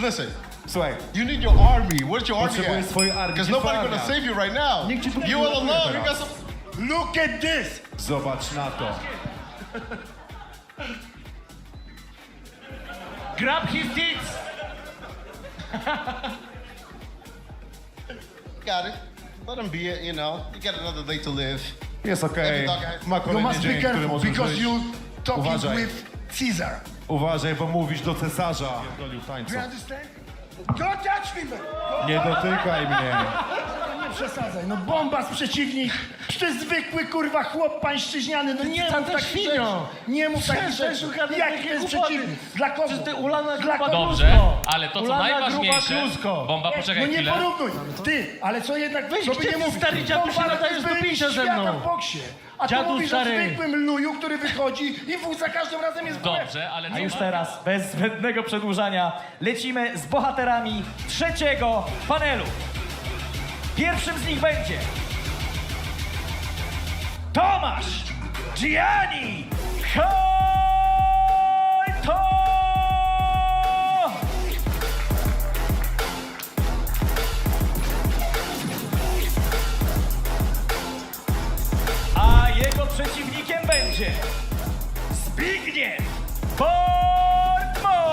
Listen, Słuchaj, you need your army. Where's your army potrzebujesz at? swojej armii. Because Gdzie nobody's twoja gonna armia? save you right now. Nikt ci tu nie You all uratuje alone. You teraz. got some. Look at this! Zobacz na to. Grab his tits! Got it. Let him be it. You know, you got another day to live. Jest okej. Ma You kolejny must be dzień, który careful może because żyć. you talking Uważaj. with Caesar. Uważaj, bo mówisz do cesarza. Pierdolił Do tańcu. you understand? Don't touch me, man! Nie dotykaj mnie. Nie przesadzaj, no Bombas przeciwnik, to jest zwykły kurwa chłop pańszczyźniany, no nie mów takich rzeczy. Nie mów takich rzeczy. Jaki to jest przeciwnik? Dla kogo? Dla kogo? Dobrze, ale to co Ulana najważniejsze... gruba klusko. Bomba, No poczekaj nie chwilę. porównuj. Ty, ale co jednak, Weź, żeby gdzie nie ty, mówić. stary dziadu, się Bombas nadajesz jest do byłym picia ze świata mną. w boksie. A Dziadu ty mówisz stary. o zwykłym luju, który wychodzi i za każdym razem jest w łeb. Dobrze, ale A co już ma- teraz, bez zbędnego przedłużania, lecimy z bohaterami trzeciego panelu. Pierwszym z nich będzie Tomasz Gianni Hojto! A jego przeciwnikiem będzie Zbigniew Portman!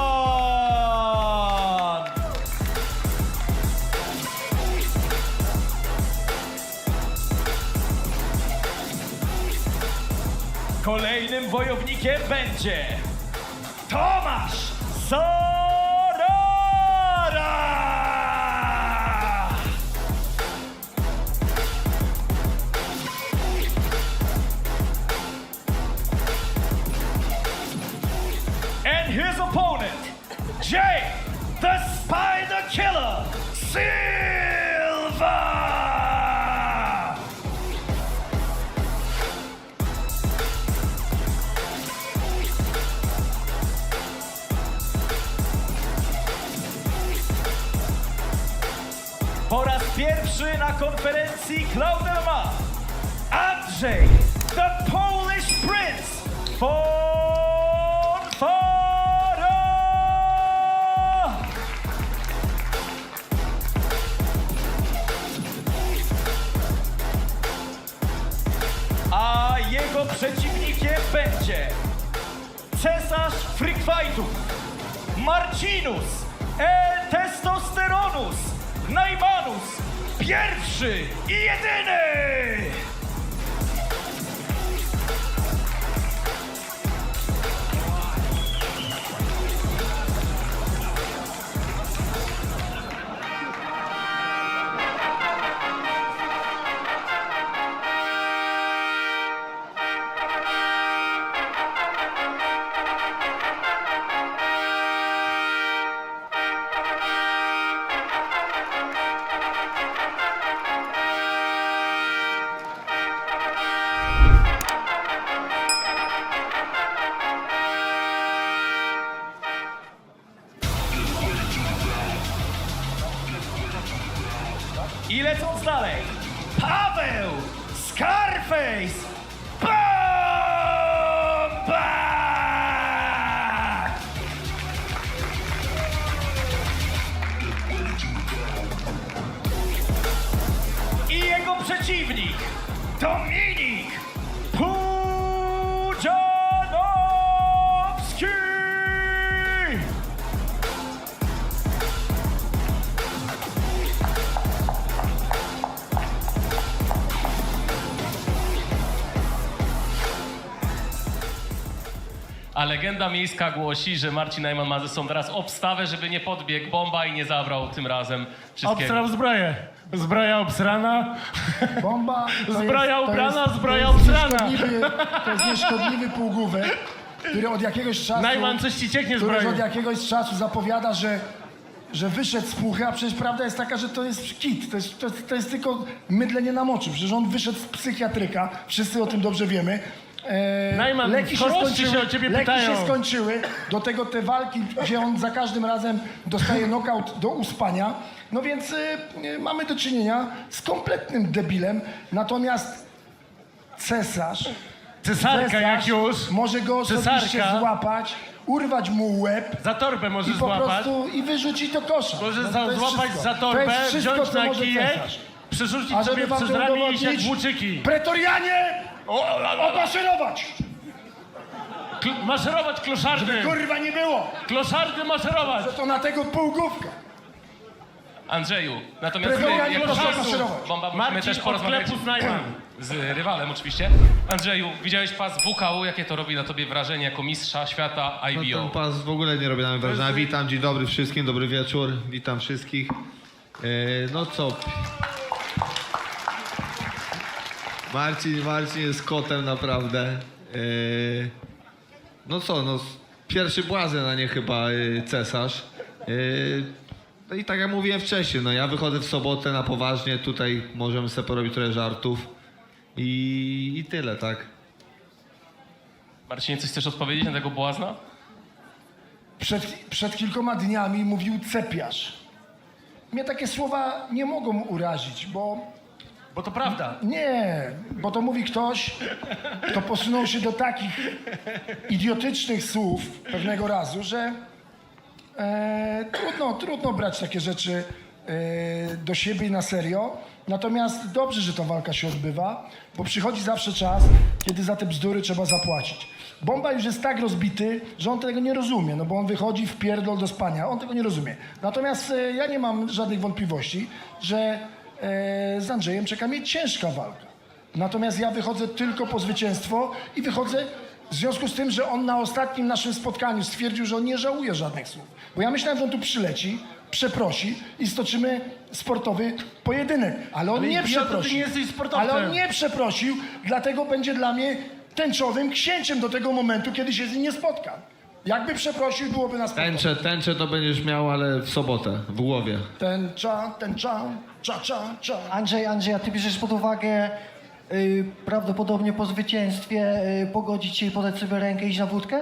Kolejnym wojownikiem będzie Tomasz Sorara! And his opponent, Jay the Spider Killer Silva! Po raz pierwszy na konferencji Cloud MMA Andrzej the Polish Prince Fonfara! A jego przeciwnikiem będzie cesarz freak fightów Marcinus El Testosteronus Najmanus pierwszy i jedyny! I lecąc dalej, Paweł Scarface Bomba! I jego przeciwnik, Dominik Pudzianowski! A legenda miejska głosi, że Marcin Najman ma ze sobą teraz obstawę, żeby nie podbiegł Bomba i nie zabrał tym razem wszystkiego. Obstrał zbroję. Zbroja obsrana. Bomba to Zbroja jest- to ubrana, jest- zbroja to jest obsrana. To jest nieszkodliwy półgłówek, który od jakiegoś czasu... Najman, coś ci cieknie z który broni. od jakiegoś czasu zapowiada, że wyszedł z puchy, a przecież prawda jest taka, że to jest kit, to jest tylko mydlenie na moczy. Przecież on wyszedł z psychiatryka, wszyscy o tym dobrze wiemy. Najman, leki chorości się o ciebie leki pytają. się skończyły, do tego te walki, gdzie on za każdym razem dostaje knockout do uspania. No więc mamy do czynienia z kompletnym debilem, natomiast cesarz Cesarka jak już. może go osobiście Cesarka. złapać, urwać mu łeb Za torbę i możesz po złapać. prostu i wyrzucić do kosza. Możesz No to jest złapać wszystko. za To torbę, jest wszystko, wziąć co na może kijek, cesarz. przerzucić A sobie żeby wam przez to ramię i iść jak udowodnić, włóczyki. pretorianie, omaszerować! Maszerować kloszardy! Kurwa nie było! Kloszardy maszerować! To na tego półgłówka. Andrzeju, natomiast my, Pretorianie, jako proszę czasu, maszerować. Bomba, musimy Marcin też porozmawiać od sklepu Najman. z rywalem oczywiście. Andrzeju, widziałeś pas WKU, jakie to robi na tobie wrażenie jako mistrza świata No IBO? ten pas w ogóle nie robi na mnie wrażenia. Witam, dzień dobry wszystkim, dobry wieczór, witam wszystkich. No co? Marcin jest kotem naprawdę. No co, no pierwszy błazen, a nie chyba cesarz. No i tak jak mówiłem wcześniej, no ja wychodzę w sobotę na poważnie, tutaj możemy sobie porobić trochę żartów i tyle, tak? Marcinie, coś chcesz odpowiedzieć na tego błazna? Przed kilkoma dniami mówił cepiarz. Mnie takie słowa nie mogą urazić, bo Bo to prawda. nie, bo to mówi ktoś, kto posunął się do takich idiotycznych słów pewnego razu, że trudno brać takie rzeczy do siebie i na serio. Natomiast dobrze, że ta walka się odbywa, bo przychodzi zawsze czas, kiedy za te bzdury trzeba zapłacić. Bomba już jest tak rozbity, że on tego nie rozumie, no bo on wychodzi w pierdol do spania, on tego nie rozumie. Natomiast ja nie mam żadnych wątpliwości, że z Andrzejem czeka mnie ciężka walka. Natomiast ja wychodzę tylko po zwycięstwo i wychodzę w związku z tym, że on na ostatnim naszym spotkaniu stwierdził, że on nie żałuje żadnych słów. Bo ja myślałem, że on tu przyleci, przeprosi i stoczymy sportowy pojedynek. Ale on Ale nie idioto, ty przeprosił. nie jesteś sportowcem. Ale on nie przeprosił, dlatego będzie dla mnie tęczowym księciem do tego momentu, kiedy się z nim nie spotkam. Jakby przeprosił, byłoby na spotkaniu. Tęczę to będziesz miał, ale w sobotę, w głowie. Tęcza, cza. Andrzej, a ty bierzesz pod uwagę prawdopodobnie po zwycięstwie pogodzić się i podać sobie rękę i iść na wódkę?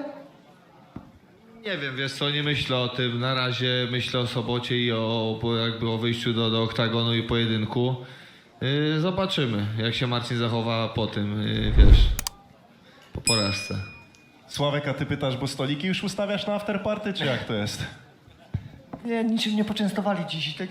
Nie wiem, wiesz co, nie myślę o tym. Na razie myślę o sobocie i o wyjściu do oktagonu i pojedynku. Zobaczymy, jak się Marcin zachowa po tym, wiesz, po porażce. Sławek, a ty pytasz, bo stoliki już ustawiasz na afterparty, czy jak to jest? Nie, niczym nie poczęstowali dziś. Tak...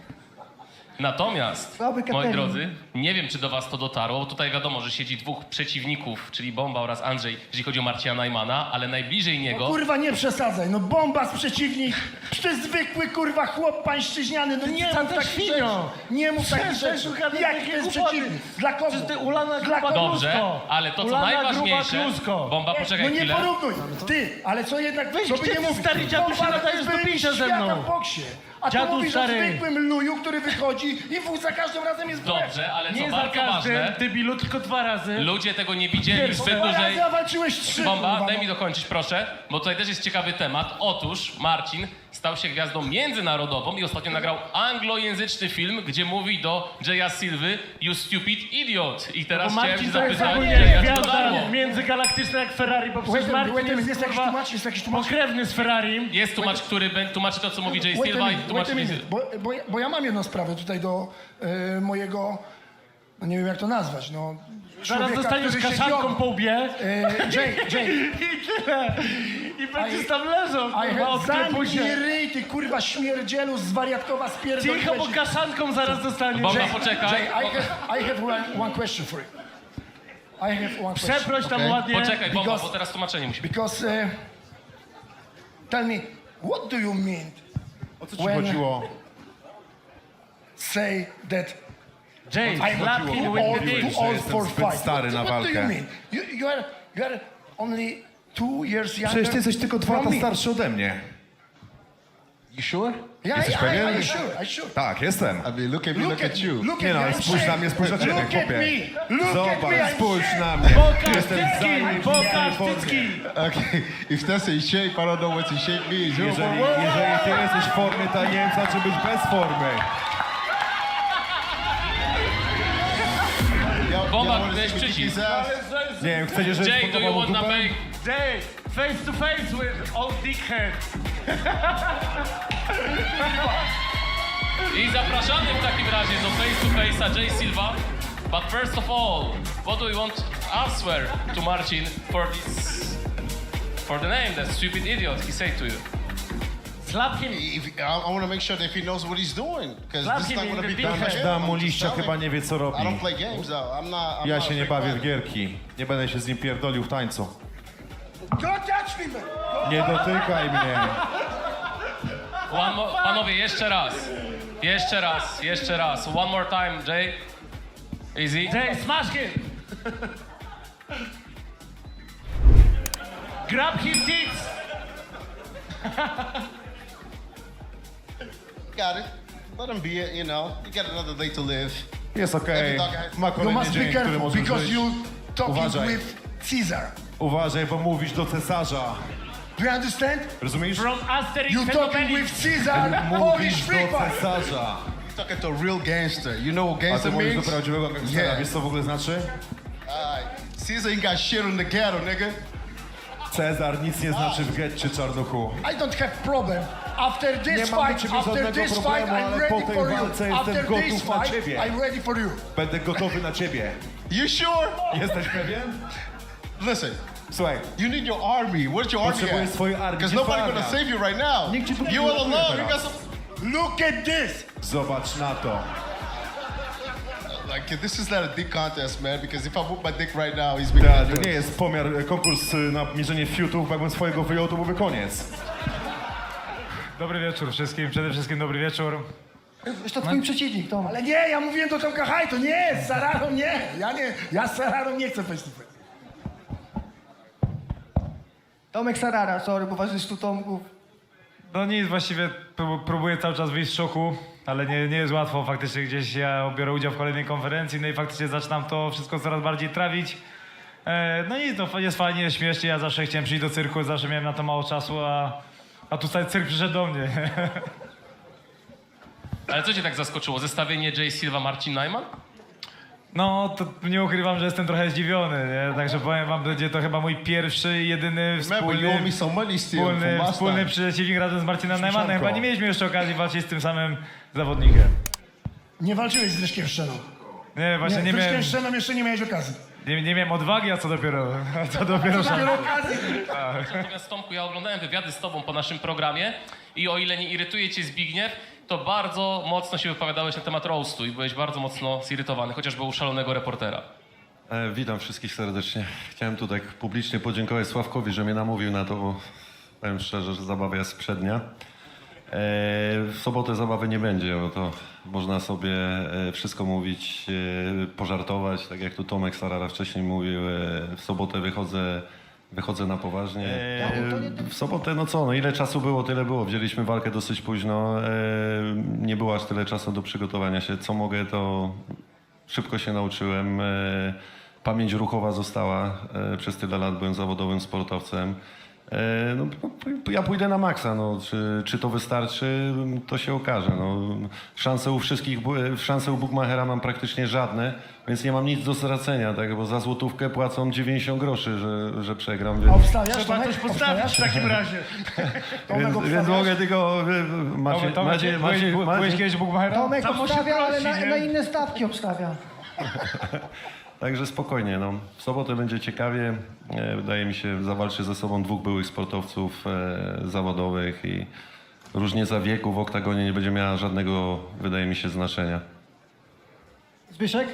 Natomiast, Słaby moi catering. drodzy, nie wiem, czy do was to dotarło, bo tutaj wiadomo, że siedzi dwóch przeciwników, czyli Bomba oraz Andrzej, jeżeli chodzi o Marcina Najmana, ale najbliżej niego... Kurwa, nie przesadzaj, no bomba z przeciwnik, ty zwykły kurwa chłop pańszczyźniany, no nie mów takich rzeczy. Nie mów takich rzeczy. Jaki to jest przeciwnik? Dla kogo? Ty ulana Dla gruba kogo? Dobrze, klusko. ale to co Ulana najważniejsze... gruba klusko. Bomba, No poczekaj nie chwilę. porównuj. Ty, ale co jednak, Weź, żeby gdzie nie ty, mówić. stary dziadu, się Bomba nadajesz do jest picia ze świata mną. w boksie. A Dziadu tu mówisz stary. o zwykłym luju, który wychodzi i za każdym razem jest błędem. Dobrze, ale co Nie za bardzo każdym, ważne, debilu, tylko 2 razy. ludzie tego nie widzieli zbyt Dwa dłużej... razy, a walczyłeś 3. Bomba, kurwa, daj no. mi dokończyć proszę, bo tutaj też jest ciekawy temat. Otóż Marcin stał się gwiazdą międzynarodową i ostatnio nagrał anglojęzyczny film, gdzie mówi do Jaya Silvy "You stupid idiot". I Bo teraz chciałem Marcin się to jest zapytać, ogólnie jak to dotarło. gwiazda międzygalaktyczna jak Ferrari, bo przecież Marcin Jest jest, jakiś kurwa, tłumacz, jest jakiś tłumacz. pokrewny z Ferrari. Jest tłumacz, który tłumaczy to, co mówi Jay Silva i tłumaczy... Bo ja mam jedną sprawę tutaj do mojego, no nie wiem jak to nazwać, no... Zaraz człowieka, dostaniesz który siedzi kaszanką obok. po łbie Jay, i tyle. I będziesz tam leżał, I kurwa, od zamknij się. ryj, ty kurwa śmierdzielu, zwariatkowa spierdoliłeś. Cicho, bo kaszanką zaraz dostaniesz. Bomba, Jay, poczekaj. Jay, I have one question for you. I have one question. Przeproś tam Okej. ładnie. Poczekaj, Bomba, Because- bo teraz tłumaczenie musi być. Because, tell me, what do you mean O co ci When- chodziło? say that Jay, I'm slap him too with old, the dick. too że old jestem for zbyt fight? stary na What do you walkę. mean? You are only 2 years younger Przecież ty jesteś tylko 2 from lata me. starszy ode mnie. You sure? Yeah, Jesteś pewien? I sure. Tak, jestem. I mean, look at me, look at you. Look Nie at no, me, ale I'm spójrz na saying. mnie, spójrz na ciebie, Look at chłopie. me, look at me, Zobacz, I'm spójrz saying. na mnie. Pokaż Jestem cycki, zajebisty pokaż w formie. cycki. Okay, if that's a shape, I don't know what a shape means. Jeżeli ty jesteś w formie, to ja nie wiem, co znaczy być bez formy. Bomba, miałeś przycisk. Nie wiem, chcecie, żebyś Jay, do you podobał want to dupę? make... Jay, face to face with old dickhead. I zapraszamy w takim razie do face to face'a Jay Silva. But first of all, what do you want to answer to Marcin for this for the name, that stupid idiot, he said to you. Slap him. I want to make sure that he knows what he's doing, because Slap this is him not in going to the be done defense. again. Dam mu I'm just liścia, telling chyba you. nie wie co robi. I don't play games though. I'm not Ja a się nie fake bawię w fighter. gierki. Nie będę się z nim pierdolił w tańcu. Don't touch me, man! Nie dotykaj mnie. Panowie, jeszcze raz. Jeszcze raz. One more time, Jay. Easy. Jay, smash him. Grab him tits. Got it. Let him be it, you know. You got another day to live. Jest okej. Ma You kolejny must be dzień, który careful, może because żyć. you talking Uważaj. with Caesar. Uważaj, bo mówisz do cesarza. Do you understand? Rozumiesz? From Asterix You and talking Obelix. with Caesar, Polish Mówisz free do fight. cesarza. Talking to a real gangster. You know what A ty gangster mówisz do means? prawdziwego gangstera. Yeah. Wiesz co w ogóle znaczy? Alright. Caesar ain't got shit on the ghetto, nigga. Cezar nic nie znaczy w getcie, czarnuchu. I don't have problem. After Nie this mam do fight, ciebie after żadnego this fight, problemu, I'm ale po ready tej for you. walce jestem After this gotów na fight, ciebie. I'm ready for you. Będę gotowy na ciebie. You sure? Jesteś pewien? Listen, Słuchaj, you need your army. Where's your army potrzebujesz at? swojej armii. Because Gdzie twoja nobody's gonna armia? save you right now. Nikt ci tu nie You all uratuje alone. You got teraz. some. Look at this. Zobacz na to. Like, this is not a dick contest, man. Because if I whoop my dick right now, he's To making nie jest konkurs na mierzenie fiutów, bo jakbym swojego wyjął, to byłby koniec. Dobry wieczór wszystkim, przede wszystkim dobry wieczór. Jest to twój przeciwnik, Tom. Ale nie, ja mówiłem do Tomka Haj, to nie, z Sararą nie. Ja z Sararą nie chcę face to face. Tomek Sarara, sorry, bo was jest tu Tomków. No nic, właściwie próbuję cały czas wyjść z szoku, ale nie jest łatwo. Faktycznie gdzieś ja biorę udział w kolejnej konferencji, no i faktycznie zaczynam to wszystko coraz bardziej trawić. No i to jest fajnie, jest śmiesznie. Ja zawsze chciałem przyjść do cyrku, zawsze miałem na to mało czasu, a tutaj cyrk przyszedł do mnie. Ale co cię tak zaskoczyło? Zestawienie Jay Silva, Marcin Najman? No, to nie ukrywam, że jestem trochę zdziwiony, nie? Także powiem wam, będzie to chyba mój pierwszy i jedyny Remember, you owe me some money still from last wspólny time. przeciwnik razem z Marcinem Najmanem. Śmieszanko. Chyba nie mieliśmy jeszcze okazji walczyć z tym samym zawodnikiem. Nie walczyłeś z Leszkiem Szczeną. Nie, właśnie nie z miałem, Leszkiem Szczeną jeszcze nie miałeś okazji. nie miałem odwagi, a co dopiero szansy. Natomiast Tomku, ja oglądałem wywiady z tobą po naszym programie i o ile nie irytuje cię Zbigniew, to bardzo mocno się wypowiadałeś na temat roastu i byłeś bardzo mocno zirytowany, chociażby u szalonego reportera. Witam wszystkich serdecznie. Chciałem tutaj publicznie podziękować Sławkowi, że mnie namówił na to, bo powiem szczerze, że zabawa jest przednia. W sobotę zabawy nie będzie, bo to można sobie wszystko mówić, pożartować, tak jak tu Tomek Sarara wcześniej mówił. W sobotę wychodzę na poważnie. W sobotę, no co, no ile czasu było, tyle było. Wzięliśmy walkę dosyć późno. Nie było aż tyle czasu do przygotowania się. Co mogę, to szybko się nauczyłem. Pamięć ruchowa została. Przez tyle lat byłem zawodowym sportowcem. No, ja pójdę na maksa. No. Czy to wystarczy, to się okaże. No. Szanse u Bukmachera mam praktycznie żadne, więc nie mam nic do stracenia, tak? Bo za złotówkę płacą 90 groszy, że przegram. A Więc, obstawiasz? Trzeba Tomek? coś postawić w takim razie. Tomek, więc obstawiasz? mogę tylko... Byłeś kiedyś Bukmachera? Tomek Tam obstawia, ale prosi, nie? na inne stawki obstawia. Także spokojnie, no. W sobotę będzie ciekawie. Wydaje mi się, zawalczy ze sobą dwóch byłych sportowców zawodowych i różnica wieku w oktagonie nie będzie miała żadnego, wydaje mi się, znaczenia. Zbyszek?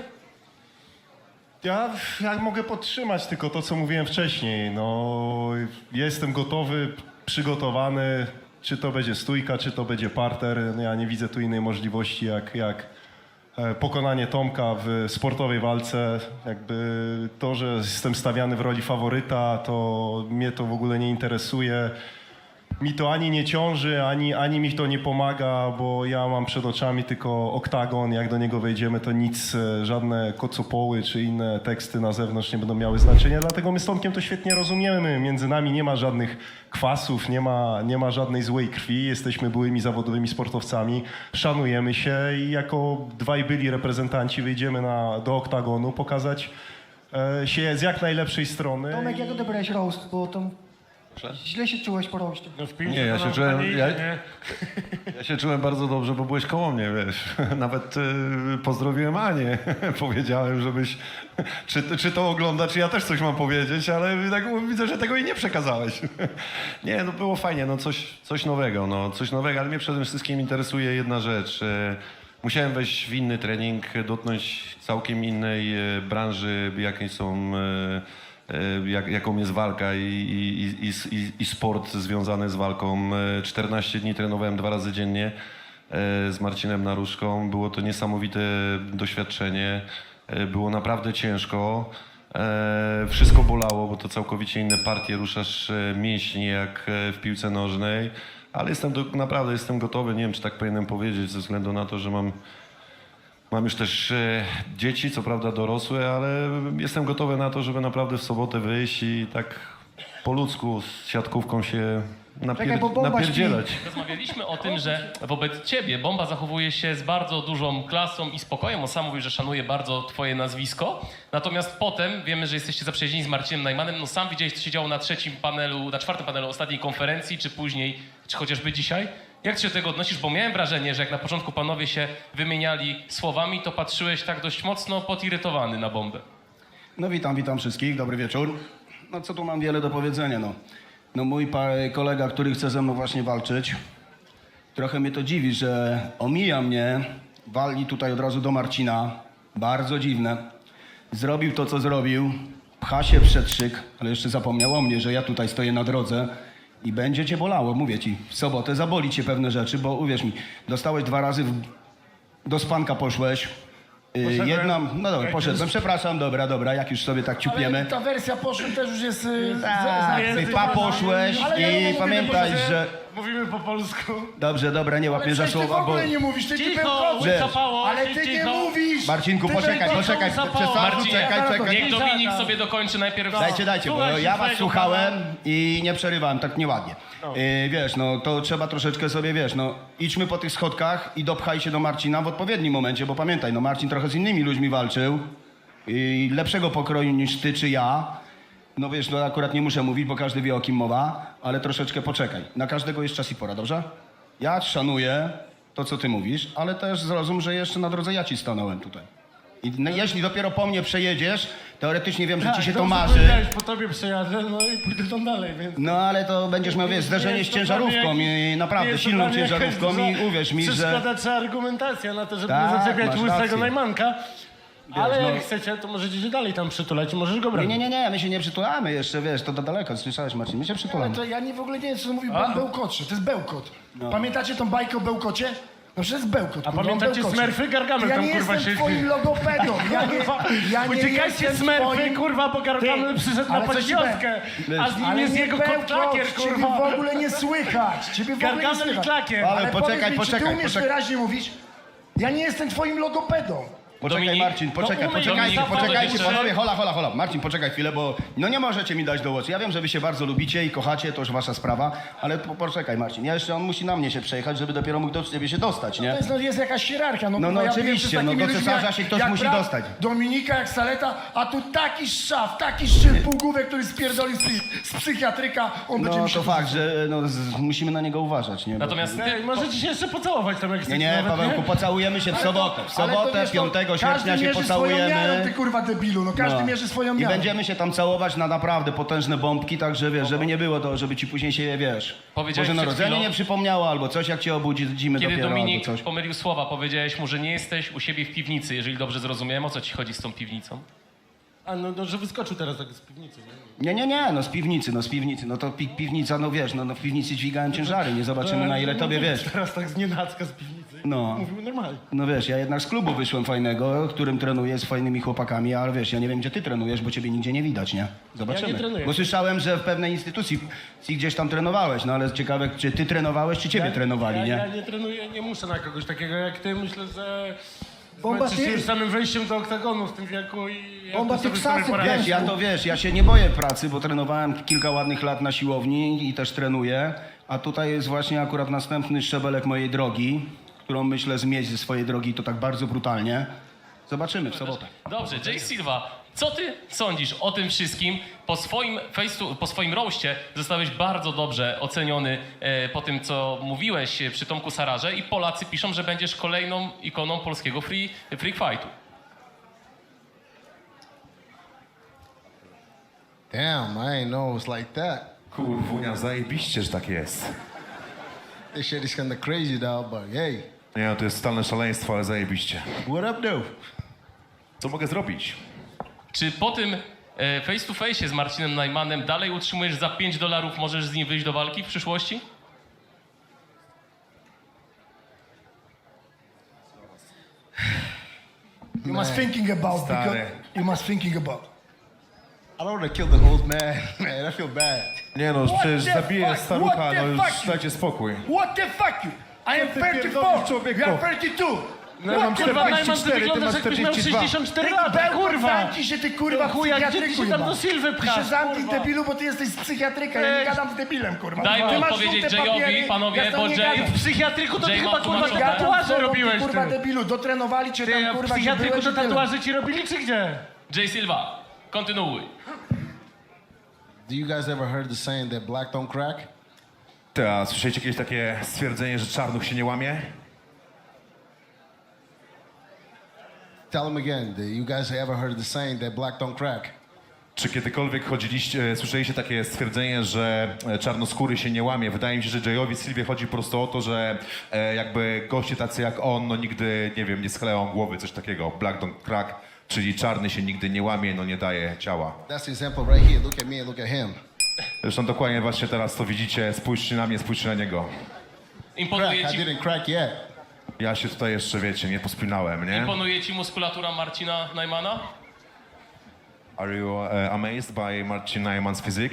Ja mogę podtrzymać tylko to, co mówiłem wcześniej. No, jestem gotowy, przygotowany. Czy to będzie stójka, czy to będzie parter. No, ja nie widzę tu innej możliwości jak pokonanie Tomka w sportowej walce. Jakby to, że jestem stawiany w roli faworyta, to mnie to w ogóle nie interesuje. Mi to ani nie ciąży, ani mi to nie pomaga, bo ja mam przed oczami tylko oktagon. Jak do niego wejdziemy, to nic, żadne kocopoły czy inne teksty na zewnątrz nie będą miały znaczenia. Dlatego my z Tomkiem to świetnie rozumiemy. Między nami nie ma żadnych kwasów, nie ma żadnej złej krwi. Jesteśmy byłymi zawodowymi sportowcami, szanujemy się i jako dwaj byli reprezentanci wyjdziemy do oktagonu pokazać się z jak najlepszej strony. Tomek, jak odebrałeś roast? Bo to Proszę? Źle się czułeś po roście. No w piłce Nie, ja to się nam czułem- fajnie ja- idzie, nie? Ja się czułem bardzo dobrze, bo byłeś koło mnie, wiesz. Nawet pozdrowiłem Anię. Powiedziałem, żebyś... Czy to ogląda, czy ja też coś mam powiedzieć, ale tak widzę, że tego jej nie przekazałeś. Nie, no było fajnie, no coś nowego, ale mnie przede wszystkim interesuje jedna rzecz. Musiałem wejść w inny trening, dotknąć całkiem innej branży, jaką jest walka i sport związany z walką. 14 dni trenowałem 2 razy dziennie z Marcinem Naruszką. Było to niesamowite doświadczenie. Było naprawdę ciężko. Wszystko bolało, bo to całkowicie inne partie, ruszasz mięśnie jak w piłce nożnej. Ale naprawdę jestem gotowy, nie wiem czy tak powinienem powiedzieć, ze względu na to, że mam już też dzieci, co prawda dorosłe, ale jestem gotowy na to, żeby naprawdę w sobotę wyjść i tak po ludzku z siatkówką się Czekaj, bo bomba napierdzielać. Rozmawialiśmy o tym, że wobec ciebie Bomba zachowuje się z bardzo dużą klasą i spokojem. On sam mówi, że szanuje bardzo twoje nazwisko. Natomiast potem wiemy, że jesteście zaprzyjaźnieni z Marcinem Najmanem. No sam widziałeś, co się działo na 4. panelu ostatniej konferencji, czy później, czy chociażby dzisiaj. Jak ty się do tego odnosisz? Bo miałem wrażenie, że jak na początku panowie się wymieniali słowami, to patrzyłeś tak dość mocno podirytowany na Bombę. No witam wszystkich, dobry wieczór. No co tu mam wiele do powiedzenia, no. No mój kolega, który chce ze mną właśnie walczyć, trochę mnie to dziwi, że omija mnie, wali tutaj od razu do Marcina, bardzo dziwne. Zrobił to, co zrobił, pcha się przed szyk, ale jeszcze zapomniał o mnie, że ja tutaj stoję na drodze i będzie cię bolało, mówię ci. W sobotę zaboli cię pewne rzeczy, bo uwierz mi, dostałeś 2 razy, do spanka poszłeś. No dobra, poszedłem, przepraszam, dobra, jak już sobie tak Ale ciupiemy. ta wersja poszłem też już jest... Poszłeś Ale ja i mówię, pamiętaj, że... Mówimy po polsku. Dobrze, dobra, nie łap mnie za Ale przecież ty w słowa, bo... ogóle nie mówisz, ty Cicho, bełkoczysz. łykapało, Ale ty nie mówisz! Marcinku, Ty poczekaj, bełkoczysz. Marcinie, czekaj. niech Dominik sobie dokończy najpierw. Dajcie, bo ja was słuchałem i nie przerywałem, tak nieładnie. Wiesz, no to trzeba troszeczkę sobie, wiesz, no idźmy po tych schodkach i dopchaj się do Marcina w odpowiednim momencie, bo pamiętaj, no Marcin trochę z innymi ludźmi walczył i lepszego pokroju niż ty czy ja. No wiesz, no akurat nie muszę mówić, bo każdy wie o kim mowa, ale troszeczkę poczekaj. Na każdego jest czas i pora, dobrze? Ja szanuję to, co ty mówisz, ale też zrozum, że jeszcze na drodze ja ci stanąłem tutaj. I jeśli dopiero po mnie przejedziesz, teoretycznie wiem, że ci się to marzy. Po tobie przejadę, no i pójdę tam dalej, więc... No ale to będziesz miał, wiesz, zderzenie z ciężarówką i naprawdę silną ciężarówką i uwierz mi, że... Przeszkadza czy argumentacja na to, żeby Tak, nie zaczepiać masz łysego rację. Najmanka. Ale jak no. chcecie, to możecie się dalej tam przytulać i możesz go bronić. Nie, my się nie przytulamy jeszcze, wiesz, to daleko, słyszałeś Marcin, my się Ale przytulamy. to ja w ogóle nie wiem, co mówił pan bełkocze. To jest bełkot. Pamiętacie tą bajkę o bełkocie? No przecież jest bełkot. A kurwa, pamiętacie on bełkocze. Smurfy? Gargamel Ja tam, nie kurwa, jestem siedzi. twoim logopedą. Ja nie Uciekajcie jestem Smurfy, twoim... kurwa, bo Gargamel przyszedł na ale co ci podświotkę, a z nim Ale jest nie jego kot bełkot, Klakier, ciebie w kurwa. ogóle nie słychać. Ciebie w ogóle nie Gargamel i słychać. Klakier. Ale powiedz mi, czy ty umiesz poczekaj. wyraźnie mówić? Ja nie jestem twoim logopedą. Poczekaj Dominik? Marcin, poczekaj, No, poczekajcie Dominik, panowie, hola. Marcin, poczekaj chwilę, bo no nie możecie mi dać do głosu. Ja wiem, że wy się bardzo lubicie i kochacie, to już wasza sprawa, ale poczekaj Marcin, on musi na mnie się przejechać, żeby dopiero mógł do ciebie się dostać, nie? To jest jakaś hierarchia. No kurwa, ja oczywiście, byłem z takimi no do ludźmi cesarza jak- się ktoś jak musi brat dostać. Dominika, jak Saleta, a tu taki szaf, taki szczyt półgłówek, który spierdolił z psychiatryka, on będzie No musiał... to fakt, że musimy na niego uważać, nie? Bo- Natomiast ty, Ej, możecie się jeszcze pocałować tam, jak chcecie. Nie, nawet, Pawełku, pocałujemy się w sobotę. W sobotę, 5 sierpnia się Każdy mierzy swoją miarą, ty pocałujemy. kurwa debilu, no każdy No. mierzy swoją I miarą. będziemy się tam całować na naprawdę potężne bombki, także wiesz, żeby nie było to, żeby ci później się, wiesz, Powiedziałeś Boże przed Narodzenie chwilą- nie przypomniało, albo coś jak cię obudzimy kiedy dopiero, Dominik albo coś. pomylił słowa, powiedziałeś mu, że nie jesteś u siebie w piwnicy, jeżeli dobrze zrozumiałem. O co ci chodzi z tą piwnicą? A no, że wyskoczył teraz tak z piwnicy, nie? Nie, no z piwnicy, no to piwnica, no wiesz, no w piwnicy dźwigałem ciężary, nie zobaczymy na ile tobie, wiesz. Teraz tak z nienacka z piwnicy. No. Mówimy normalnie. No wiesz, ja jednak z klubu wyszłem fajnego, którym trenuję z fajnymi chłopakami, ale wiesz, ja nie wiem, gdzie ty trenujesz, bo ciebie nigdzie nie widać, nie? Zobaczymy. Ja nie trenuję. Bo słyszałem, że w pewnej instytucji gdzieś tam trenowałeś, no ale ciekawe, czy ty trenowałeś, czy ciebie trenowali, Ja nie? nie trenuję, nie muszę na kogoś takiego jak ty. Myślę, że Bomba, zmęczysz się ty- już samym wejściem do oktagonu w tym wieku i... ja Bomba, tu ty sobie psasy poradzę. Wiesz, ja się nie boję pracy, bo trenowałem kilka ładnych lat na siłowni i też trenuję, a tutaj jest właśnie akurat następny szczebelek mojej drogi, którą myślę zmieść ze swojej drogi, to tak bardzo brutalnie. Zobaczymy w sobotę. Dobrze, Jay Silva, Co ty sądzisz o tym wszystkim? Po swoim roście zostałeś bardzo dobrze oceniony po tym, co mówiłeś przy Tomku Sararze i Polacy piszą, że będziesz kolejną ikoną polskiego freak fightu. Damn, I ain't know it was like that. Kurwunia, zajebiście, że tak jest. This shit is kinda crazy, dog, but hey, Nie no, to jest totalne szaleństwo, ale zajebiście. what up, though? Co mogę zrobić? Czy po tym face to face z Marcinem Najmanem dalej utrzymujesz za $5 możesz z nim wyjść do walki w przyszłości? You must thinking about, because Stary. you must thinking about. I don't want to kill the old man, man. I feel bad. Nie no, What przecież the zabiję fuck? starucha, What the no już fuck? dajcie spokój. What the fuck you? I am ty 34, pierdolisz, człowieku? you are 32. No ja mam Kurwa, Najman, ty 44, ty wyglądasz masz jakbyś miał 42. 64 lata, kurwa! Zamknij się ty kurwa w Chuja, gdzie ty psychiatryku się tam do jeba. Sylwy Ty się pchasz, zamknij kurwa? debilu, bo ty jesteś z psychiatryka, ja nie gadam z debilem kurwa. Daj Ty mi masz odpowiedzieć żółte Jayowi, papiery, panowie, ja z tobą bo nie Jay- gadam. W psychiatryku to ty Jay chyba ma kurwa tłumaczone. Gadam z tatuaże tobą, robiłeś, ty, kurwa ty. debilu, dotrenowali cię Ty, tam a w kurwa, gdzie psychiatryku byłeś to i tyle. tatuaże ci robili, czy gdzie? Jay Silva, kontynuuj. Do you guys ever heard the saying that black don't crack? A słyszeliście jakieś takie stwierdzenie, że czarnuch się nie łamie? Tell them again. Do you guys ever heard the saying that black don't crack? Czy kiedykolwiek słyszeliście takie stwierdzenie, że czarnoskóry się nie łamie? Wydaje mi się, że Jayowi Sylwie chodzi po prostu o to, że jakby goście tacy jak on, no nigdy, nie wiem, nie schleją głowy, coś takiego. Black don't crack, czyli czarny się nigdy nie łamie, no nie daje ciała. That's the example right here. Look at me and look at him. Zresztą dokładnie właśnie teraz to widzicie, spójrzcie na mnie, spójrzcie na niego. Crack. Imponuje I ci, didn't crack yet. Ja się tutaj jeszcze, wiecie, nie pospinałem, nie? imponuje ci muskulatura Marcina Najmana? Are you amazed by Marcin Najman's physique?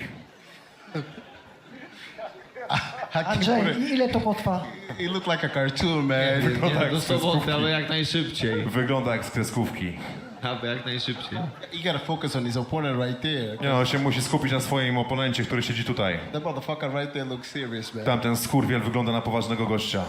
I can't Andrzej, put it. ile to potrwa? He looked like a cartoon, man. Nie, do soboty, ale jak najszybciej. Wygląda jak z kreskówki. Aby jak najszybciej. You gotta focus on his opponent right there. Nie no, się musi skupić na swoim oponencie, który siedzi tutaj. That motherfucker right there looks serious, man. Tamten skurwiel wygląda na poważnego gościa.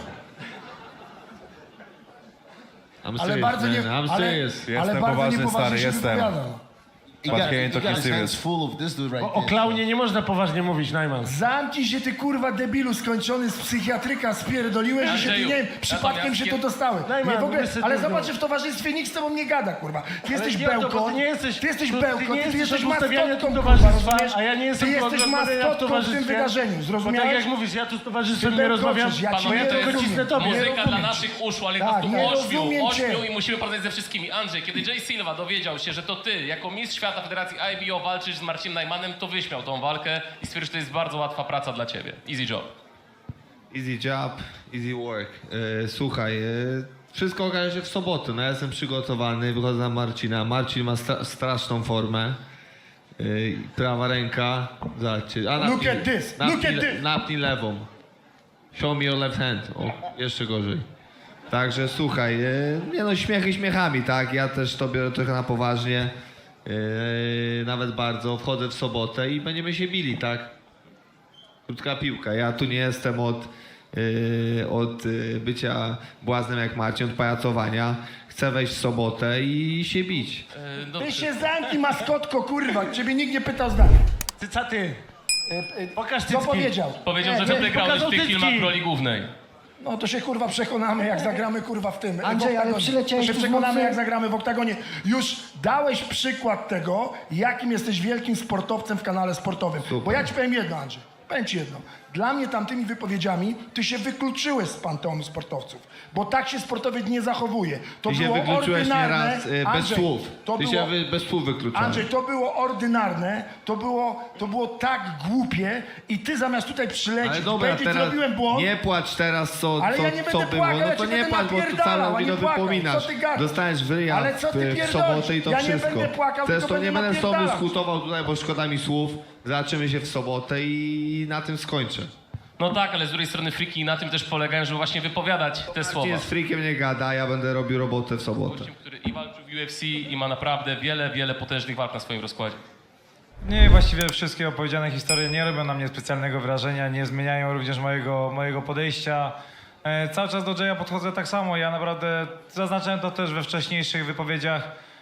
I'm Ale serious, bardzo nie, man. I'm ale, serious. ale Jestem bardzo poważny, niepoważnie stary, się jestem. wypowiada. He But got, he he ain't got talking his hands serious. full of this dude right O there. klaunie nie można poważnie mówić, Najman. Zamknij się ty kurwa debilu skończony z psychiatryka, spierdoliłeś i się ty Andrzeju, nie wiem, przypadkiem natomiast się to dostały. Najman, Nie, w ogóle, mówię sobie ale tu, zobacz, że w towarzystwie nikt z tobą nie gada, kurwa. Ty jesteś nie o to, bo bełkot, ty nie jesteś- ty jesteś ty nie bełkot, ty jesteś jesteś od ustawiania maskotką, tu kurwa, towarzystwa, rozumiesz? a ja nie jestem Ty tu od jesteś rozmawiania w maskotką w tym towarzystwie. wydarzeniu, Bo tak zrozumiałeś? jak mówisz, ja tu z towarzystwem Ty nie rozmawiam. bełkoczysz, ja cię Panowie, nie to jest rozumiem. cisnę tobie. Nie muzyka dla rozumiem naszych cię. uszu, ale Tak, nas tu nie ośmiu rozumiem cię. i musimy porozmawiać ze wszystkimi. Andrzej, kiedy Jay Silva dowiedział się, że to ty, jako mistrz świata Federacji IBO walczysz z Marcinem Najmanem, to wyśmiał tą walkę i stwierdził, że to jest bardzo łatwa praca dla ciebie. Easy job. Easy job, easy work. Słuchaj, wszystko okaże się w sobotę. No ja jestem przygotowany, wychodzę na Marcina. Marcin ma straszną formę. Prawa ręka. Zobaczcie. Look at this, look at this. Napnij lewą. Show me your left hand. O, jeszcze gorzej. Także słuchaj, nie no, śmiechy śmiechami, tak? Ja też to biorę trochę na poważnie. Nawet bardzo. Wchodzę w sobotę i będziemy się bili, tak? Krótka piłka. Ja tu nie jestem od bycia błaznem jak Marcin, od pajacowania. Chcę wejść w sobotę i się bić. Ty się zamknij, maskotko, kurwa, ciebie nikt nie pytał zdania. Ty, ty. Pokaż Co cycki. powiedział? Powiedział, Nie, że ty nie, grałeś w pokazał tych cycki. filmach w roli głównej. No to się kurwa przekonamy, jak zagramy kurwa w tym. Andrzej, w oktagonie. ale przyleciałeś To się tu z przekonamy, mocy- jak zagramy w oktagonie. Już dałeś przykład tego, jakim jesteś wielkim sportowcem w kanale sportowym. Bo ja ci powiem jedno, Andrzej. Powiem ci jedno. Dla mnie tamtymi wypowiedziami ty się wykluczyłeś z panteonu sportowców. Bo tak się sportowiec nie zachowuje. To Ty się było wykluczyłeś ordynarne. nieraz bez Andrzej, słów. To Ty było, się bez słów wykluczyłeś. Andrzej, to było ordynarne, to było tak głupie i ty zamiast tutaj przylecieć, Ale dobra, powiedzieć, teraz zrobiłem błąd, nie płacz teraz, Ale ja nie co będę było. płakał, No ja to cię nie będę płacz, bo tu napierdalał, całą a nie minę płakał. wypominasz. Co ty gadasz? Dostaniesz wyja Ale co ty w pierdolisz? sobotę i to Ja nie wszystko. będę płakał, Zresztą tylko nie będę będę z tobą napierdalał. dyskutował tutaj, bo szkoda mi słów. Zobaczymy się w sobotę i na tym skończę. No tak, ale z drugiej strony friki na tym też polegają, żeby właśnie wypowiadać te słowa. Marcin z freakiem nie gada, ja będę robił robotę w sobotę. Gościem, który i walczył w UFC i ma naprawdę wiele potężnych walk na swoim rozkładzie. Nie, właściwie wszystkie opowiedziane historie nie robią na mnie specjalnego wrażenia, nie zmieniają również mojego podejścia. Cały czas do Jaya podchodzę tak samo. Ja naprawdę zaznaczałem to też we wcześniejszych wypowiedziach.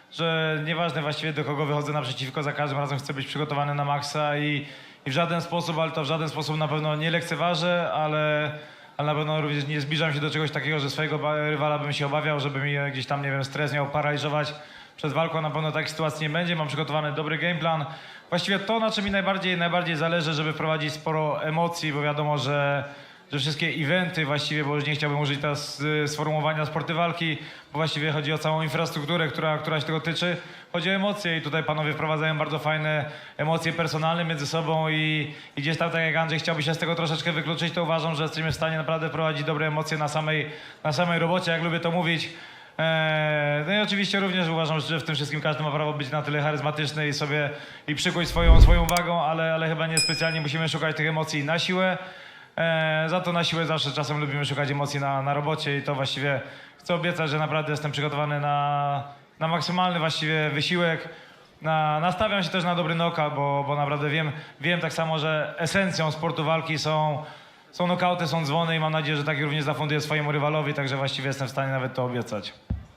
że nieważne właściwie do kogo wychodzę naprzeciwko, za każdym razem chcę być przygotowany na maksa i w żaden sposób, ale to w żaden sposób na pewno nie lekceważę, ale na pewno również nie zbliżam się do czegoś takiego, że swojego rywala bym się obawiał, żeby mi gdzieś tam, nie wiem, stres miał paraliżować przed walką. Na pewno takiej sytuacji nie będzie. Mam przygotowany dobry game plan. Właściwie to, na czym mi najbardziej zależy, żeby wprowadzić sporo emocji, bo wiadomo, że wszystkie eventy właściwie, bo już nie chciałbym użyć teraz sformułowania sporty walki, bo właściwie chodzi o całą infrastrukturę, która się tego tyczy. Chodzi o emocje i tutaj panowie wprowadzają bardzo fajne emocje personalne między sobą i gdzieś tam, tak jak Andrzej chciałby się z tego troszeczkę wykluczyć, to uważam, że jesteśmy w stanie naprawdę prowadzić dobre emocje na samej robocie, jak lubię to mówić. No i oczywiście również uważam, że w tym wszystkim każdy ma prawo być na tyle charyzmatyczny i przykuć swoją uwagą, ale chyba nie specjalnie musimy szukać tych emocji na siłę. Za to na siłę zawsze czasem lubimy szukać emocji na robocie i to właściwie chcę obiecać, że naprawdę jestem przygotowany na maksymalny właściwie wysiłek. Nastawiam się też na dobry knockout, bo naprawdę wiem tak samo, że esencją sportu walki są knockouty, są dzwony i mam nadzieję, że tak również zafunduję swojemu rywalowi, także właściwie jestem w stanie nawet to obiecać.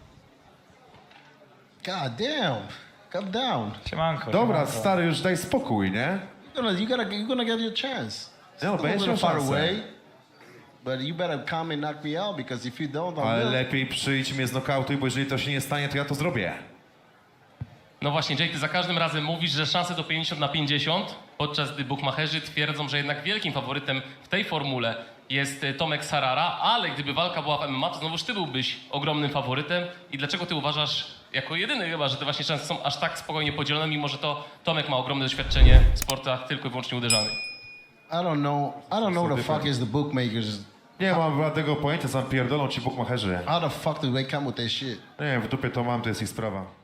God damn. Calm down. Siemanko. Dobra, siemanko. stary, już daj spokój, nie? You're gonna get your chance. No, Still a będziesz little miał far szansę. away, but you better come and knock me out because if you don't, I Ale will. lepiej przyjdź mnie znokautuj, bo jeżeli to się nie stanie, to ja to zrobię. No właśnie, Jay, ty za każdym razem mówisz, że szanse to 50/50, podczas gdy bukmacherzy twierdzą, że jednak wielkim faworytem w tej formule jest Tomek Sarara, ale gdyby walka była w MMA, to znowuż ty byłbyś ogromnym faworytem. I dlaczego ty uważasz, jako jedyny chyba, że te właśnie szanse są aż tak spokojnie podzielone, mimo że to Tomek ma ogromne doświadczenie w sportach tylko i wyłącznie uderzanych? I don't know what the fuck is the bookmakers. Nie mam żadnego pojęcia, sam pierdolą ci bukmacherzy. How the fuck do they come with that shit? Nie wiem, w dupie to mam, to jest ich sprawa.